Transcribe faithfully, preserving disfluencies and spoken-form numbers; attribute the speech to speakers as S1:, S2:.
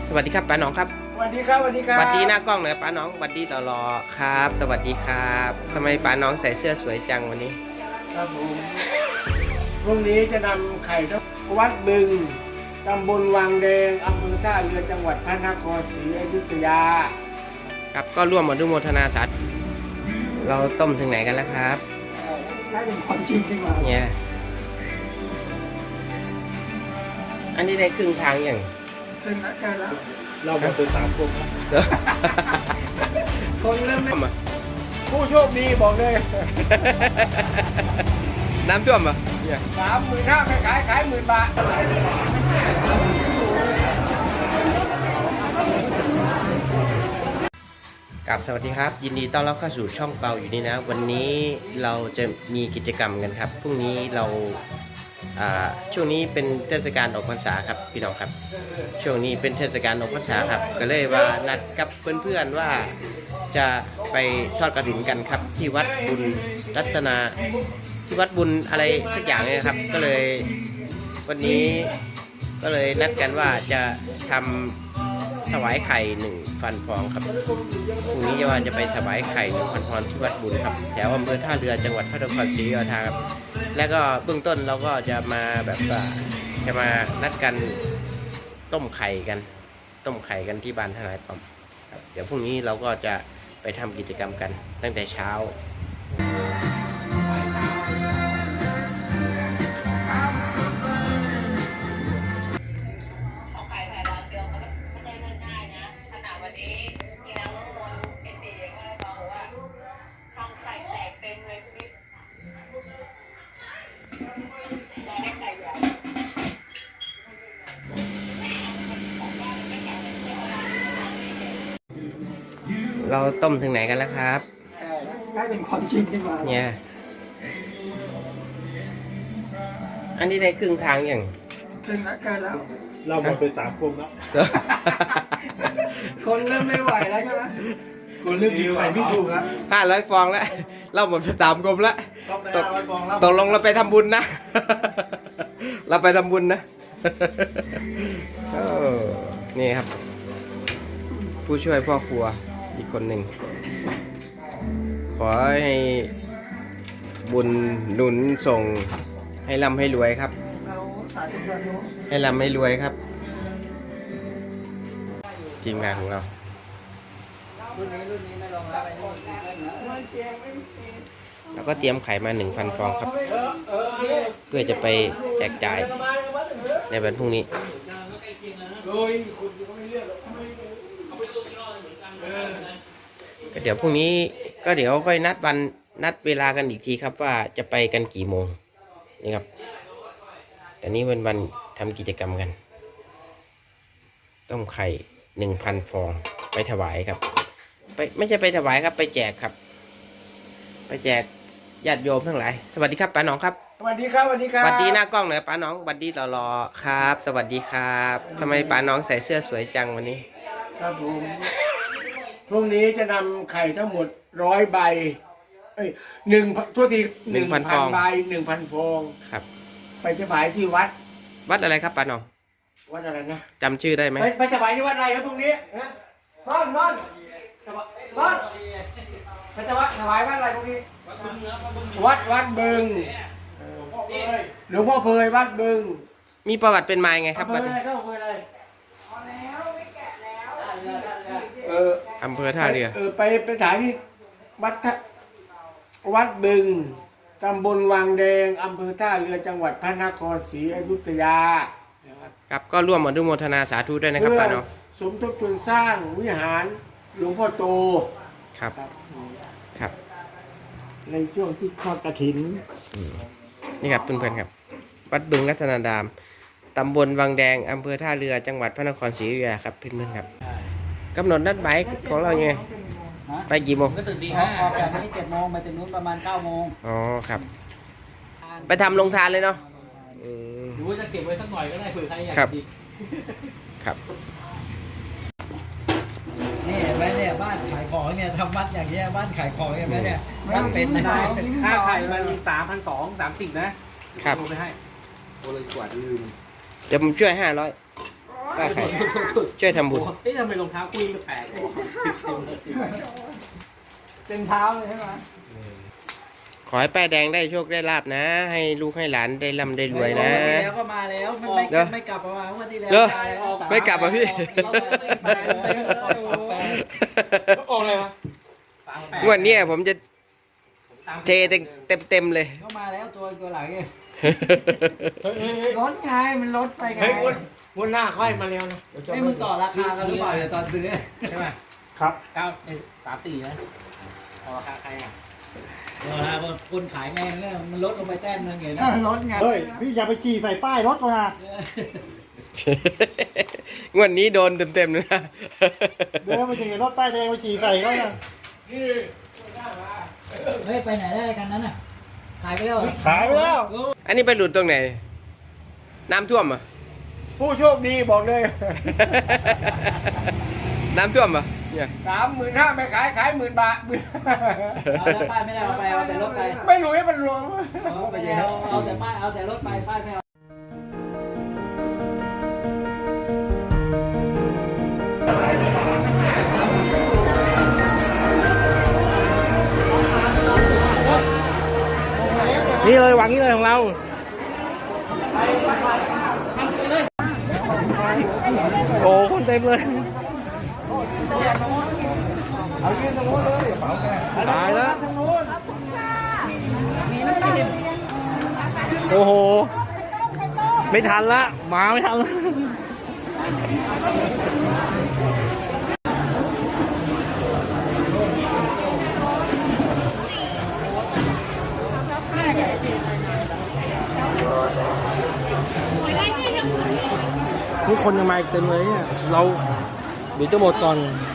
S1: สวัสดีครับป้าหนองครับ
S2: สวัสดีครับสวัสดีครับ
S1: สวัสดีหน้ากล้องหน่อยป้าหนองสวัสดีต่อรอครับ สวัสดีครับทำไมป้าหนองใส่เสื้อสวยจังวันนี้
S2: ครับผมพรุ่งนี้จะนำไข่ทั้งวัดบึงตำบลวังแดงอำเภอท่าเรือจังหวัดพระนครศรีอยุธยา
S1: ครับก็ร่วมอนุโมทนาสาธุเราต้มถึงไหนกันแล้วครับ
S2: ได้เป็นความจริงดีกว่า
S1: เนี่ยอันนี้ได้ครึ่งทางอย่าง
S2: ครึ่งแล้วกันแล้ว
S3: เราหมดไปสามคน
S2: คนเริ่มไม่ผู้โชคดีบอกเลย
S1: น้ำท่วมปะ
S2: สามหมื่นห้าไม่ขายขายหมื่นบาท
S1: กับสวัสดีครับยินดีต้อนรับเข้าสู่ช่องเปาอยู่นี่นะวันนี้เราจะมีกิจกรรมกันครับพรุ่งนี้เราช่วงนี้เป็นเทศกาลออกพรรษาครับพี่น้องครับช่วงนี้เป็นเทศกาลออกพรรษาครับก็เลยว่านัดกับเพื่อนๆว่าจะไปทอดกฐินกันครับที่วัดบุญรัตนาที่วัดบุญอะไรสักอย่างเนี่ยครับก็เลยวันนี้ก็เลยนัดกันว่าจะทำถวายไข่หนึ่งพันฟองครับพรุ่งนี้จะว่าจะไปถวายไข่หนึ่งพันฟองที่วัดบุญครับแถวอำเภอท่าเรือจังหวัดพระนครศรีอยุธยาครับแล้วก็เบื้องต้นเราก็จะมาแบบว่าจะมานัดกันต้มไข่กันต้มไข่กันที่บ้านทนายปอมครับเดี๋ยวพรุ่งนี้เราก็จะไปทำกิจกรรมกันตั้งแต่เช้าเราต้มถึงไหนกันแล้วครับ
S2: ได้เป็นความจริงดีกว่า
S1: เนี่ยอันนี้ได้ครึ่งทางอย่าง
S2: ครึ่งแล้วกันแล้ว
S3: เราหมดไปสามคนแล้ว
S2: คนเริ่มไม่ไหวแล้วใช่ไหม
S3: คนเริ่มมีไหวไม่ถูกครับ
S1: ห้าร้อยฟองแล้วเราหมดไปสามกลมแล้วตกตกลงเราไปทำบุญนะเราไปทำบุญนะนี่ครับผู้ช่วยพ่อครัวอีกคนหนึ่งขอให้บุญหนุนส่งให้ร่ำให้รวยครับให้ร่ำให้รวยครับทีมงานของเราแล้วก็เตรียมไข่มาหนึ่งพันฟองครับเพื่อจะไปแจกจ่ายในวันพรุ่งนี้ก็เดี๋ยวพรุ่งนี้ก็เดี๋ยวค่อยนัดวันนัดเวลากันอีกทีครับว่าจะไปกันกี่โมงนี่ครับแต่นี้เป็นวันทำกิจกรรมกันต้มไข่หนึ่งพันฟองไปถวายครับไปไม่ใช่ไปถวายครับไปแจกครับไปแจกญาติโยมทั้งหลายสวัสดีครับป้าหนองครับ
S2: สวัสดีครับสวัสดีครับ
S1: สวัสดีหน้ากล้องหน่อยป้าหนองสวัสดีต่อรอครับ สวัสดีครับทำไมป้าหนองใส่เสื้อสวยจังวันนี้
S2: ครับผมพรุ่งนี้จะนำไข่ทั้งหมดร้อยใบเอ้ยหนึ่งทั่วทีหนึ่งพันใบหนึ่งพันฟอง
S1: ครับ
S2: ไปถวายที่วัด
S1: วัดอะไรครับป้าหนอง
S2: วัดอะไรนะ
S1: จำชื่อได้ไหม
S2: ไปถวายที่วัดอะไรครับพรุ่งนี้นอนนอนนอนไปถวายถวายวัดอะไรพรุ่งนี้วัดวัดบึงหลวงพ่อเพยวัดบึง
S1: มีประวัติเป็นมาไงครับวัด
S2: อะไรครับเพยอะไรเออ
S1: อำเภอท่าเรือ
S2: เออไปไปถ่ายที่วัดวัดบึงตำบลวังแดงอำเภอท่าเรือจังหวัดพระนครศรีอยุธยา
S1: ครับก็ร่วมอนุโมทนาสาธุด้วยนะครับป้าเนาะ
S2: สมทบทุนสร้างวิหารหลวงพ่อโต
S1: ครับครับ
S2: ในช่วงที่ทอดกฐิน
S1: นี่ครับเพื่อนๆครับวัดบึงรัตนารามตำบลวังแดงอำเภอท่าเรือจังหวัดพระนครศรีอยุธยาครับเพื่อนๆครับกำหนดนัดหมายของเราไงไปกี่โมง
S4: ก็ตื่นตีห้าออกจากนี้เจ็ดโมงมาถึงนู้นประมาณเก้าโมง
S1: อ๋อครับไปทำลงทานเลยเนาะ
S4: หรือว่าจะเก็บไว้สักหน่อยก็ได้เผื่อใครอยากกิน
S1: ครับ
S4: นี่เห็นไหมเนี่ยบ้านขายของเนี่ยทำวัดอย่างเงี้ยบ้านขายของเห็นไหมเนี่ยบ้านเป็นนะ
S3: ค่าไข่มันสามพันสองสามสิบนะครับโทรไปให้โทรเลยกว่าลืม
S1: เดี๋ยวผมช่วยห้าร้อย
S2: โอ้
S1: ป้าไข่ช่วยทำบุญ
S3: เอ๊ะทำไมรองเท้าคุยแปลก
S2: เต็มเท้าเลยใช่ไหม
S1: ขอให้ป้าแดงได้โชคได้ลาบนะ ให้ลูกให้หลานได้ร่ำได้รวยนะ
S4: วันที่แล้วก็มาแล้วไม่ไม่
S1: เดี๋ยว
S4: ไม่กลับมาวันที่แล้ว
S1: เดี๋ยว
S4: มาแล้ว
S1: ไม่กลับอ่ะพี่
S2: ออกอะไรวะ
S1: งวดเนี้ยผมจะเทเต็มเต็มเต็มเลย
S4: ก็มาแล้วตัวตัวหลังเนี่ยรถไงมันรถไปไง
S2: เฮ้ยวันวันหน้าค่อยมาเร็วนะเดี๋ยวจะ
S4: ไอ้มึงต่อราคากันหรือเปล่าเดี๋ยวตอนซื้อ
S3: ใช่ไหม
S2: ครับ
S3: เก้าสามสี่นะเอาราคาใครอ่ะ
S4: เวลาคนขายไงเนี่ยมันลดลงไปแต้มนึงไงนะรถไง
S2: เฮ้ยพี่อย่าไปขี่ใส่ป้ายรถเขานะ
S1: งวดนี้โดนเต็มเต็มๆเลยนะ
S2: เดี๋ยวไปขี่รถป้ายแดงไปขี่ใส่เขานะ
S4: เฮ้ยไปไหนได้กันนั้นน่ะขายไปแล้ว
S2: ขายไปแล้ว
S1: อันนี้ไปหลุดตรงไหน น้ำท่วมเหรอ่ะ
S2: ผู้โชคดีบอกเลย
S1: น้ำท่วมเหรอ่ะเนี่ย
S2: สามหมื่นห้าไม่ขายขายหมื่นบาท
S4: เอาแล้วป้ายไม่ได้เอาไปเอาแต่รถไป
S2: ไม่รู้ให้มันรวม
S4: เอาไปเอาเอาแต่ป้ายเอาแต่รถไปป้ายไม่เอา
S3: นี่เลยหวังนี่เลยของเราโอ้คนเต็มเลยตายแล้วโอ้โหไม่ทันละมาไม่ทันละทุกคนยังมาอีกเต็มเลยเนี่ยเราเดี๋ยวจะหมดก่อน